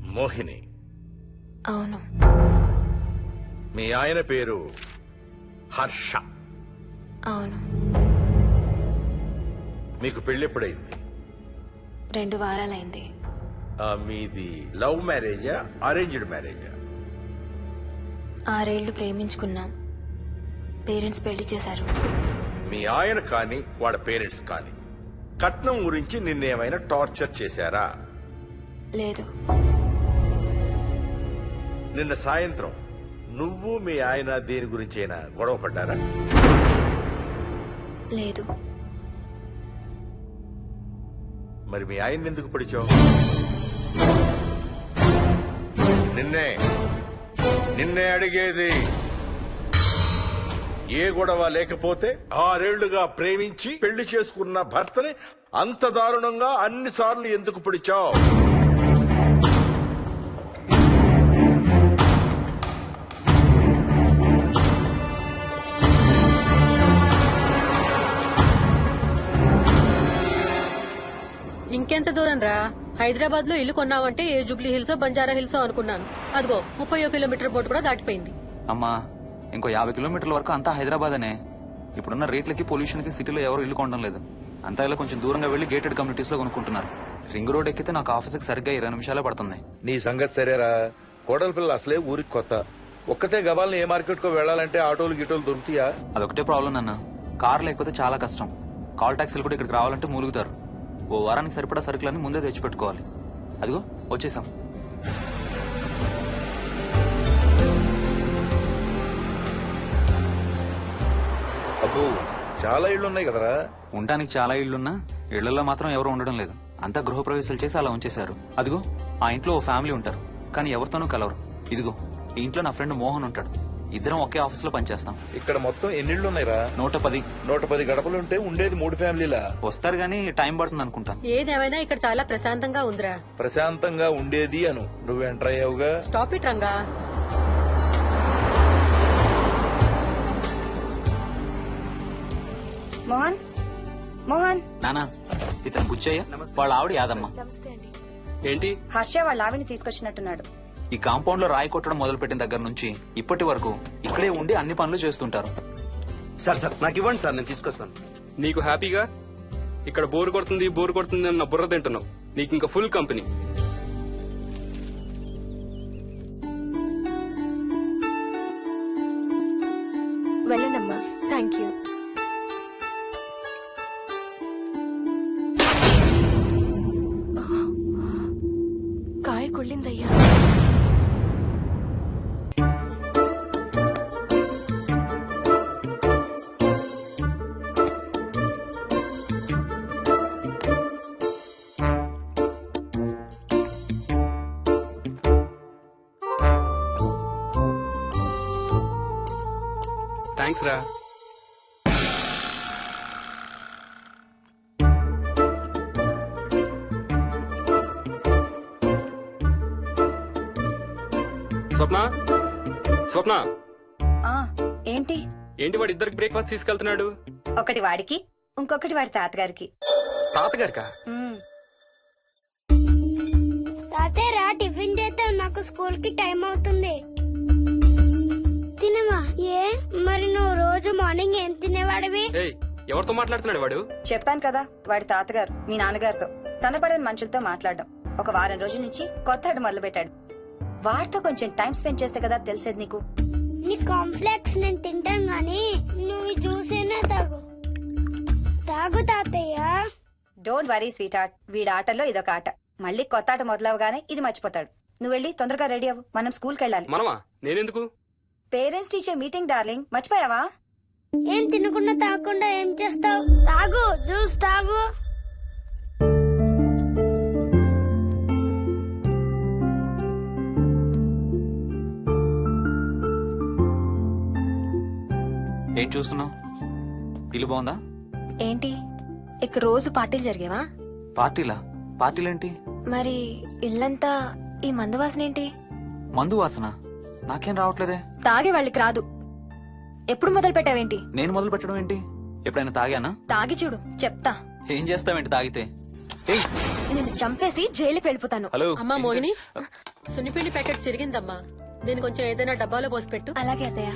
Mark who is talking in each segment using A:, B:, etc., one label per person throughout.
A: మోహిని.
B: అవును.
A: మీ ఆయన పేరు హర్ష.
B: అవును.
A: మీకు పెళ్ళెప్పుడైంది?
B: 2 వారాలైంది.
A: మీది లవ్ మ్యారేజా అరేంజ్డ్ మ్యారేజా?
B: 6 ఏళ్లు ప్రేమించుకున్నాం. పేరెంట్స్ పెళ్లి చేశారు.
A: మీ ఆయన కానీ వాళ్ళ పేరెంట్స్ కానీ కట్నం గురించి నిన్నేమైనా టార్చర్ చేశారా?
B: లేదు.
A: నిన్న సాయంత్రం నువ్వు మీ ఆయన దేని గురించి అయినా గొడవ పడ్డారా?
B: లేదు.
A: మరి మీ ఆయన ఎందుకు పడిచావు? నిన్నే అడిగేది. ఏ గొడవ లేకపోతే 6 ఏళ్లుగా ప్రేమించి పెళ్లి చేసుకున్న భర్తని అంత దారుణంగా అన్నిసార్లు ఎందుకు పిడిచావు?
C: ఇంకెంత దూరం రా? హైదరాబాద్ లో ఇల్లు కొన్నావంటే ఏ జూబ్లీ హిల్స్ బంజారా హిల్స్ అనుకున్నాను. అదిగో 31 కిలోమీటర్ బోర్డు కూడా దాటిపోయింది.
D: అమ్మా, ఇంకో 50 కిలోమీటర్ల వరకు అంతా హైదరాబాద్ అనే. ఇప్పుడున్న రేట్లకి పొల్యూషన్ కి సిటీలో ఎవరు ఇల్లు కొనడం లేదు. అంతా ఇలా కొంచెం దూరంగా వెళ్లి గేటెడ్ కమ్యూనిటీస్ లో కొనుక్కుంటున్నారు. రింగ్ రోడ్ ఎక్కితే నాకు ఆఫీస్కి సరిగ్గా 20 నిమిషాలే పడుతుంది.
E: నీ సంగతి సరేరా, కోడల పిల్ల అసలే ఊరికి కొత్త. ఒక్కతే గబాల్ని ఏ మార్కెట్ కో వెళ్లాలంటే ఆటోలు గిటోలు దొరుకుతాయా?
D: అదొకటే ప్రాబ్లం నాన్న. కార్ లేకపోతే చాలా కష్టం. కాల్ టాక్సీలు కూడా ఇక్కడికి రావాలంటే మూలుగుతారు. ఓ వారానికి సరిపడా సరుకులన్నీ ముందే తెచ్చిపెట్టుకోవాలి. అదిగో వచ్చేసాం.
E: అబ్బో, చాలా ఇళ్లున్నాయి కదరా.
D: ఉండటానికి చాలా ఇళ్లున్నా ఇళ్లలో మాత్రం ఎవరు ఉండడం లేదు. అంతా గృహప్రవేశాలు చేసి అలా ఉంచేశారు. అదిగో ఆ ఇంట్లో ఓ ఫ్యామిలీ ఉంటారు, కానీ ఎవరితోనూ కలవరు. ఇదిగో ఈ ఇంట్లో నా ఫ్రెండ్ మోహన్ ఉంటాడు. ఇద్దరం ఒకే ఆఫీస్ లో పనిచేస్తాం.
E: ఇక్కడ మొత్తం ఎన్నిళ్లున్నాయిరా?
D: 110.
E: 110 గడపలుంటే ఉండేది 3 ఫ్యామిలీలా.
D: వస్తారు గానీ టైం పడుతుంది అనుకుంటాను.
C: ఏదేమైనా ఇక్కడ చాలా ప్రశాంతంగా ఉందిరా.
E: ప్రశాంతంగా ఉండేది అను, నువ్వు ఎంటర్ అయ్యావుగా.
C: Stop it Ranga.
F: మోహన్, మోహన్.
D: నానా, ఇతను బుచ్చయ్య, వాళ్ళ ఆవిడ యాదమ్మ.
G: ఏంటి?
F: హర్ష వాళ్ళ ఆవిని తీసుకొచ్చినట్టున్నాడు.
D: ఈ కాంపౌండ్ లో రాయి కొట్టడం మొదలు పెట్టిన దగ్గర నుంచి ఇప్పటి వరకు ఇక్కడే ఉండి అన్ని పనులు చేస్తుంటారు.
H: సార్ నాకు ఇవ్వండి సార్, నేను తీసుకొస్తాను.
G: నీకు హ్యాపీగా ఇక్కడ బోర్ కొడుతుంది అన్న బుర్ర తింటున్నావు. నీకు ఇంకా ఫుల్ కంపెనీ.
B: వెళ్ళండమ్మా. Thank you. కాయ కుళ్ళిందయ్యా.
G: థ్యాంక్స్ రా. స్వప్న
F: ఆ ఏంటి?
G: ఏంటి వాడి ఇద్దరికి బ్రేక్ఫాస్ట్ తీసుకెళ్తున్నాడు?
F: ఒకటి వాడికి, ఇంకొకటి వాడి తాతగారికి.
G: తాతగారికా?
I: తాతయ్య టిఫిన్ చేద్దాం, నాకు స్కూల్ కి టైం అవుతుంది. తినమా? ఏ మరి నువ్వు రోజు మార్నింగ్ ఏం తినేవాడివి?
G: ఎవరితో మాట్లాడుతున్నాడు వాడు?
F: చెప్పాను కదా, వాడి తాతగారు మీ నాన్నగారితో కనపడని మనుషులతో మాట్లాడడం. ఒక వారం రోజుల నుంచి కొత్త ఆడు మొదలు పెట్టాడు. వాడితో కొంచెం టైం స్పెండ్ చేస్తే కదా తెలిసేది నీకు.
I: నీ కాంప్లెక్స్ నేను తింటాను గానీ నువ్వు జ్యూసేనా తాగు. తాగు తాతయ్య.
F: డోంట్ వరీ స్వీట్ హార్ట్, వీడి ఆటల్లో ఇదొక ఆట. మళ్ళీ కొత్త ఆట మొదలవగానే ఇది మర్చిపోతాడు. నువ్వు వెళ్ళి తొందరగా రెడీ అవ్వు, మనం స్కూల్కి వెళ్ళాలి.
G: మనమా? నేనెందుకు?
F: పేరెంట్స్ టీచర్ మీటింగ్ డార్లింగ్, మర్చిపోయావా?
I: ఏం తినకుండా తాగకుండా ఏం చేస్తావు? తాగు, జ్యూస్ తాగు.
D: ఏం చూస్తున్నావు? ఇల్లు బాగుందా?
B: ఏంటి ఇక్కడ రోజు పార్టీలు జరిగేవా?
D: పార్టీలా? పార్టీలేంటి?
B: మరి ఇల్లంతా ఈ మందు వాసన ఏంటి?
D: మందు వాసన నాకేం రావట్లేదే.
B: తాగే వాళ్ళకి రాదు. ఎప్పుడు మొదలు పెట్టావేంటి?
D: నేను మొదలు పెట్టడం ఏంటి? ఎప్పుడైనా తాగానా?
B: తాగి చూడు, చెప్తా.
D: ఏం చేస్తావేంటి తాగితే?
B: నేను చంపేసి జైలుకి వెళ్ళిపోతాను.
D: హలో
C: అమ్మా మోహిని, సున్నిపిండి ప్యాకెట్ చిరిగిందమ్మా. దీని కొంచెం ఏదైనా డబ్బాలో పోసి పెట్టు.
B: అలాగే అత్తయ్య.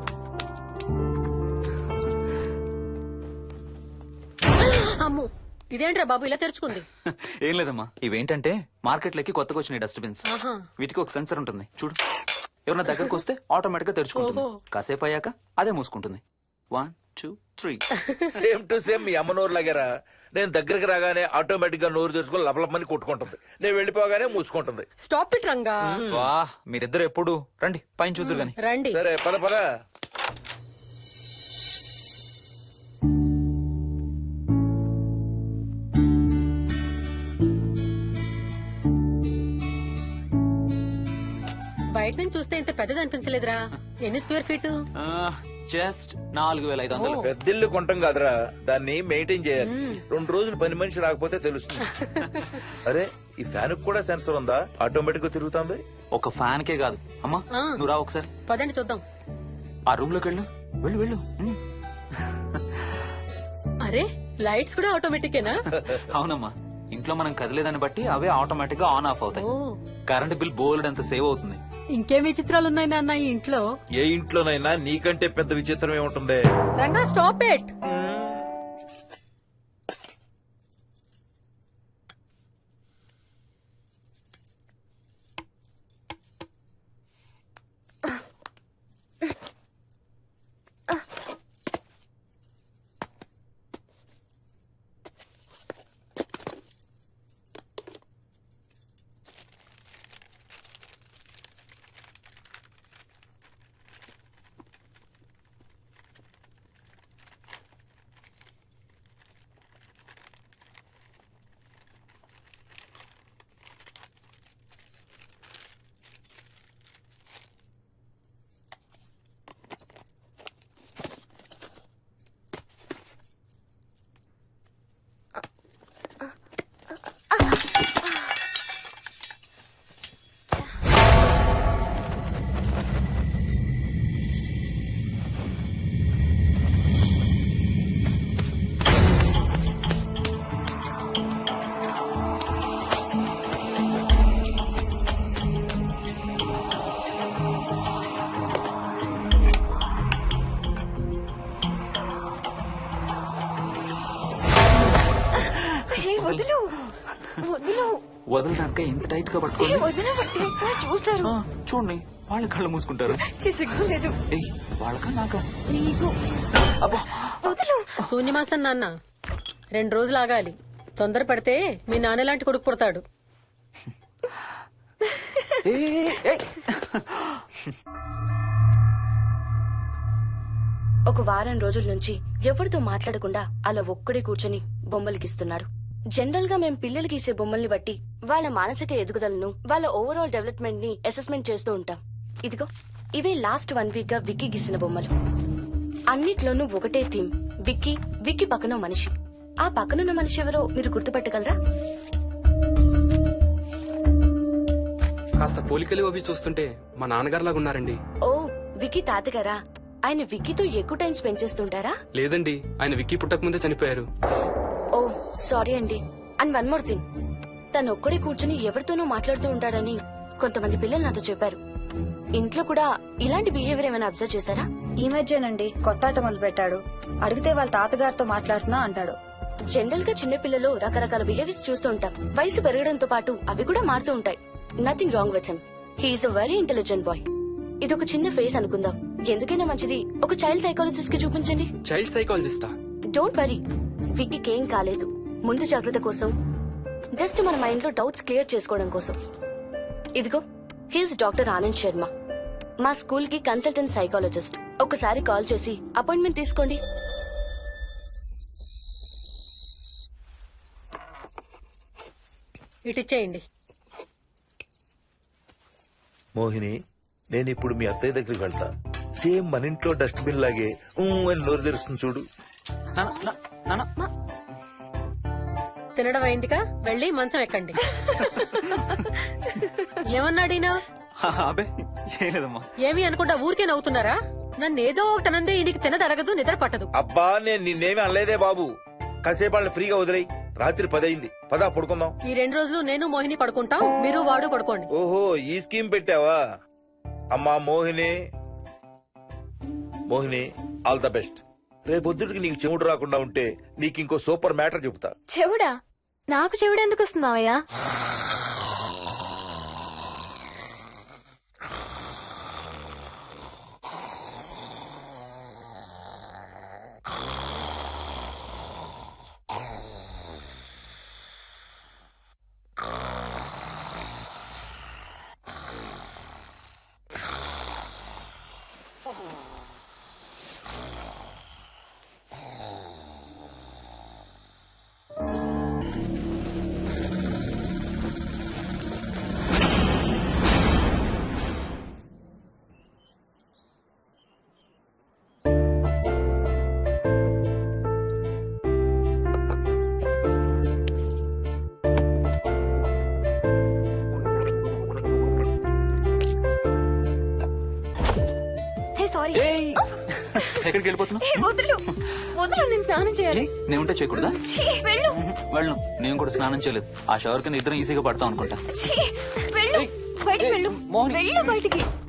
C: అమ్ము, ఇదేంట్రా బాబు ఇలా తెరుచుకుంది?
D: ఏం లేదమ్మా, ఇవేంటంటే మార్కెట్లోకి కొత్తగా వచ్చిన డస్ట్బిన్స్.
C: ఆహా.
D: వీటికి ఒక సెన్సర్ ఉంటుంది చూడు. ఎవరైనా దగ్గరకు వస్తే ఆటోమేటిక్ గా తెరుచుకుంటుంది.
C: ఓహో.
D: కాసేపు అయ్యాక అదే మూసుకుంటుంది. 1 2 3.
E: సేమ్ టు సేమ్ మీ అమ్మ నోరు లాగారా. నేను దగ్గరికి రాగానే ఆటోమేటిక్ గా నోరు తెరుచుకొని లపలపని కొట్టుకుంటుంది. నేను వెళ్ళిపోగానే మూసుకుంటుంది.
C: Stop it Ranga.
D: వా, మీరిద్దరు ఎప్పుడు రండి పైన చూద్దరు గాని.
C: రండి.
E: సరే పద పద.
C: బయట నుంచి చూస్తే ఇంత పెద్దది అనిపించలేదురా. ఎన్ని స్క్వేర్ ఫీట్?
D: జస్ట్ 4500.
E: పెద్దిల్లు కొంటాం కాదురా, దాన్ని మెయింటైన్ చేయాలి. 2 రోజులు పని మనిషి రాకపోతే తెలుస్తుంది. అరే ఈ ఫ్యాన్ కూడా సెన్సర్ ఉందా? ఆటోమేటిక్ గా తిరుగుతుంది.
D: ఒక ఫ్యాన్ కే కాదు అమ్మా.
C: ఆ.
D: నువ్వు రా ఒకసారి
C: పదండి చూద్దాం.
D: ఆ రూమ్ లోకి వెళ్ళు. వెళ్ళు వెళ్ళు.
C: అరే లైట్స్ కూడా ఆటోమేటికేనా?
D: అవునమ్మా, ఇంట్లో మనం కదిలేదాన్ని బట్టి అవే ఆటోమేటిక్ గా ఆన్ ఆఫ్ అవుతాయి.
C: ఓ.
D: కరెంట్ బిల్ బోల్డ్ అంత సేవ్ అవుతుంది.
C: ఇంకేం విచిత్రాలు ఉన్నాయి నాన్న ఈ ఇంట్లో?
E: ఏ ఇంట్లోనైనా నీకంటే పెద్ద విచిత్రం ఏముంటుంది?
C: Ranga stop it.
B: వదులు వదులు
D: వదలడానిక ఇంత టైట్ గా పట్టుకోండి.
B: వదలబట్టి చూస్తారు.
D: చూడండి వాళ్ళ కళ్ళు మూసుకుంటారు.
B: సిగ్గులేదు
D: ఏయ్, వాళ్ళకా నాకా?
B: నీకు.
D: అబ్బా,
B: వదులు.
C: శూన్యమాసం నాన్న 2 రోజులు ఆగాలి. తొందర పడితే మీ నాన్న లాంటి కొడుకు పుడతాడు.
D: ఏయ్, ఏయ్.
J: ఒక వారం రోజుల నుంచి ఎవరితో మాట్లాడకుండా అలా ఒక్కడే కూర్చొని బొమ్మలు గీస్తున్నాడు. జనరల్ గా మేం పిల్లలు గీసే బొమ్మల్ని బట్టి వాళ్ళ మానసిక ఎదుగుదలను, వాళ్ళ ఓవరాల్ డెవలప్మెంట్ ని అసెస్మెంట్ చేస్తూ ఉంటాం. ఇదిగో ఇవే లాస్ట్ 1 వీక్ గా విక్కీ గీసిన బొమ్మలు. అన్నిట్లోనూ ఒకటే థీమ్, విక్కీ, విక్కీ పక్కన మనిషి. ఆ పక్కనున్న మనిషి ఎవరో మీరు గుర్తుపట్టగలరా?
G: కాస్త పోలికలు అవి చూస్తుంటే మా నాన్నగారులాగా ఉన్నారండి.
J: ఓ, విక్కీ తాతగారా? ఆయన విక్కీతో ఎక్కువ టైం స్పెండ్ చేస్తుంటారా?
G: లేదండి, ఆయన విక్కీ పుట్టక ముందే చనిపోయారు.
J: ఓ సారీ అండి. అండ్ 1 మోర్ థింగ్, తను ఒక్కడే కూర్చుని ఎవరితోనూ మాట్లాడుతూ ఉంటాడని కొంతమంది పిల్లలు నాతో చెప్పారు. ఇంట్లో కూడా ఇలాంటి బిహేవియర్ ఏమైనా అబ్జర్వ్ చేశారా?
F: ఈ మధ్యనండి కొత్త ఆట మొదలు పెట్టాడు. అడిగితే వాళ్ళ తాతగారితో మాట్లాడుతున్నా అంటాడు.
J: జనరల్ గా చిన్న పిల్లలు రకరకాల బిహేవియర్స్ చూస్తూ ఉంటాం. వయసు పెరగడంతో పాటు అవి కూడా మారుతూ ఉంటాయి. Nothing wrong with him. He's a very intelligent boy. ఇదొక చిన్న ఫేస్ అనుకుందాం. ఎందుకైనా మంచిది ఒక చైల్డ్ సైకాలజిస్ట్ కి చూపించండి.
G: చైల్డ్ సైకాలజిస్టా?
J: డోంట్ వరీ, విక్కీకి ఏం కాలేదు. ముందు జాగ్రత్త కోసం, జస్ట్ మన మైండ్ లో డౌట్స్ క్లియర్ చేసుకోవడం కోసం. ఇదిగో హీస్ డాక్టర్ ఆనంద్ శర్మ, మా స్కూల్ కి కన్సల్టెంట్ సైకాలజిస్ట్. ఒకసారి కాల్ చేసి అపాయింట్మెంట్ తీసుకోండి.
C: ఇటిచ్చేయండి.
E: మోహిని, నేను ఇప్పుడు మీ అత్తయ్య దగ్గరికి వెళ్తా. సేమ్ మన ఇంట్లో డస్ట్బిన్ లాగే అని నోరు తెరుస్తుంది చూడు.
C: తినడం అయిందిగా, వెళ్ళి మంచం ఎక్కండి. ఏమన్నాడీనా?
D: అబే ఏం లేదమ్మా.
C: ఏమి అనుకుంటా ఊరికే నవ్వుతున్నారా? నన్ను ఏదో ఒకటి అనందే ఈయనకి తినదరగదు, నిద్ర పట్టదు.
E: అబ్బా నేను నిన్నేమి అనలేదే బాబు. కాసేపు వాళ్ళని ఫ్రీగా వదిలేయి. రాత్రి 10 అయింది. పదా పడుకుందాం.
C: ఈ 2 రోజులు నేను మోహిని పడుకుంటాం, మీరు వాడు పడుకోండి.
E: ఓహో, ఈ స్కీమ్ పెట్టావా? అమ్మా Mohini, Mohini, all the best. రేపొద్దుటికి నీకు చెవుడు రాకుండా ఉంటే నీకు ఇంకో సూపర్ మ్యాటర్ చెబుతా.
B: చెవుడా? నాకు చెవుడు ఎందుకు వస్తుంది మావయ్య? సారీ.
D: ఎక్కడికి వెళ్ళిపోతున్నావు?
B: వదులు వదులు, నేను స్నానం చేయాలి.
D: నేను ఉంటే చేయకూడదా?
B: ఛీ, వెళ్ళు.
D: వెళ్ళను, నేను కూడా స్నానం చేయలేదు. ఆ షవర్ కింద ఇద్దరం ఈజీగా పడతాం అనుకుంటా.
B: ఛీ, వెళ్ళు. బయటికి వెళ్ళు.
D: మోహిని,
B: వెళ్ళు బయటికి.